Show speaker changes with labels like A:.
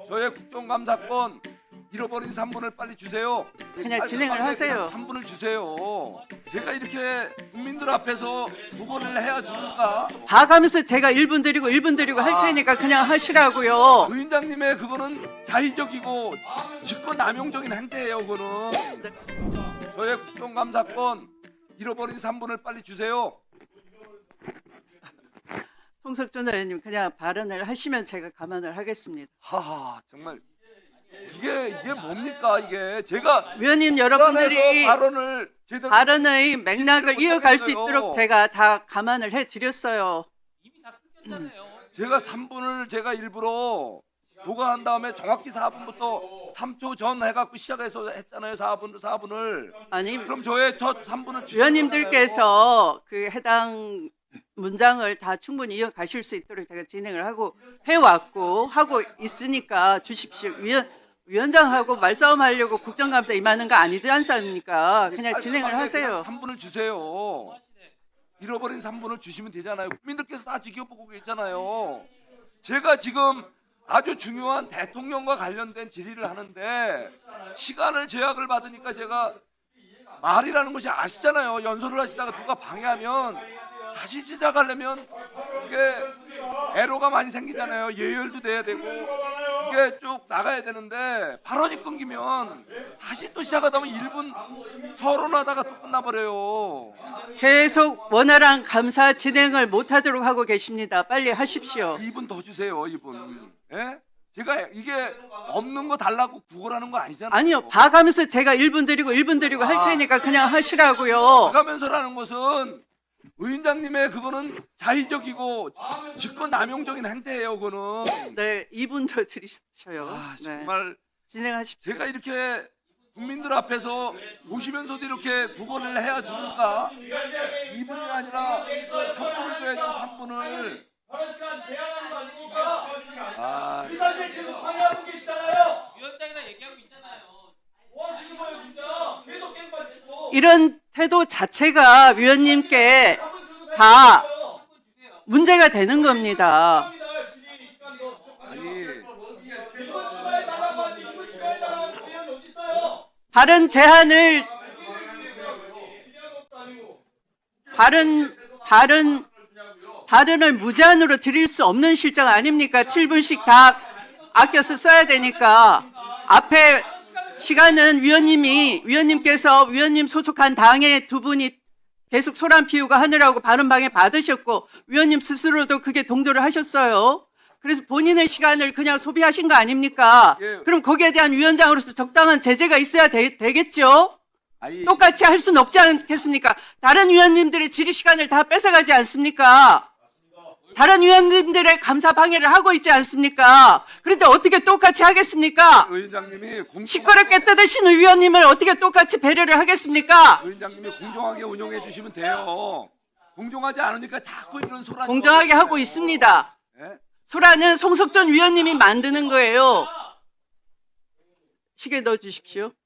A: 저의 국정감사권 잃어버린 3분을 빨리 주세요.
B: 그냥 진행을 하세요.
A: 3분을 주세요. 제가 이렇게 국민들 앞에서 두 번을 해야 주니까
B: 봐가면서 제가 1분 드리고 1분 드리고 할 테니까 그냥 하시라고요.
A: 의원장님의 그거는 자의적이고 직권남용적인 행태예요. 그거는 저의 국정감사권 잃어버린 3분을 빨리 주세요.
B: 송석준 의원님 그냥 발언을 하시면 제가 감안을 하겠습니다.
A: 하하 정말 이게 뭡니까 이게 제가
B: 위원님 여러분들이
A: 발언을 제대로
B: 발언의 맥락을 이어갈 수
A: 못하겠어요.
B: 있도록 제가 다 감안을 해드렸어요.
A: 제가 3분을 제가 일부러 보고한 다음에 정확히 4분부터 3초 전 해갖고 시작해서 했잖아요. 4분을
B: 아니
A: 그럼 저의 첫 3분을
B: 위원님들께서 그 해당 문장을 다 충분히 이어가실 수 있도록 제가 진행을 하고 해왔고 하고 있으니까 주십시오. 위원장하고 말싸움하려고 국정감사 임하는 거 아니지 않습니까? 그냥 진행을 하세요.
A: 3분을 주세요. 잃어버린 3분을 주시면 되잖아요. 국민들께서 다 지켜보고 계시잖아요. 제가 지금 아주 중요한 대통령과 관련된 질의를 하는데 시간을 제약을 받으니까 제가 말이라는 것이 아시잖아요. 연설을 하시다가 누가 방해하면 다시 시작하려면 이게 애로가 많이 생기잖아요. 예열도 돼야 되고 이게 쭉 나가야 되는데 발언이 끊기면 다시 또 시작하다 보면 1분 서론하다가 또 끝나버려요.
B: 계속 원활한 감사 진행을 못하도록 하고 계십니다. 빨리 하십시오.
A: 2분 더 주세요. 2분. 예? 제가 이게 없는 거 달라고 구걸하는 거 아니잖아요.
B: 아니요. 봐가면서 제가 1분 드리고 1분 드리고 할 테니까 그냥 하시라고요.
A: 가면서라는 것은 의원장님의 그거는 자의적이고 직권남용적인 행태예요. 그거는.
B: 네, 2분 더 드리셔요. 네.
A: 정말
B: 진행하십시오.
A: 제가 이렇게 국민들 앞에서 보시면서도 이렇게 두 번을 해야 주니까 2분이 아니라 3분을 줘야죠. 3분을.
C: 발언 시간 제한하는 거 아닙니까?
A: 아,
C: 이 사실 계속 방해하고 계시잖아요.
D: 위원장이랑 얘기하고 있잖아요.
C: 뭐 하시는 거예요 진짜? 계속 깽판 치고.
B: 이런 태도 자체가 위원님께 다 문제가 되는 겁니다. 발언 제한을 발언을 무제한으로 드릴 수 없는 실정 아닙니까? 7분씩 다 아껴서 써야 되니까 앞에 시간은 위원님께서 위원님 소속한 당의 두 분이 계속 소란 피우고 하느라고 발언 방해 받으셨고 위원님 스스로도 그게 동조를 하셨어요. 그래서 본인의 시간을 그냥 소비하신 거 아닙니까?
A: 예.
B: 그럼 거기에 대한 위원장으로서 적당한 제재가 있어야 되겠죠?
A: 아니,
B: 똑같이 할 수는 없지 않겠습니까? 다른 위원님들의 질의 시간을 다 뺏어가지 않습니까? 다른 위원님들의 감사 방해를 하고 있지 않습니까? 그런데 어떻게 똑같이 하겠습니까?
A: 의원장님이
B: 시끄럽게 떠드시는 위원님을 어떻게 똑같이 배려를 하겠습니까?
A: 의원장님이 공정하게 운영해 주시면 돼요. 공정하지 않으니까 자꾸 이런 소란.
B: 공정하게 하고 있습니다.
A: 예?
B: 소라는 송석전 위원님이 만드는 거예요. 시계 넣어 주십시오.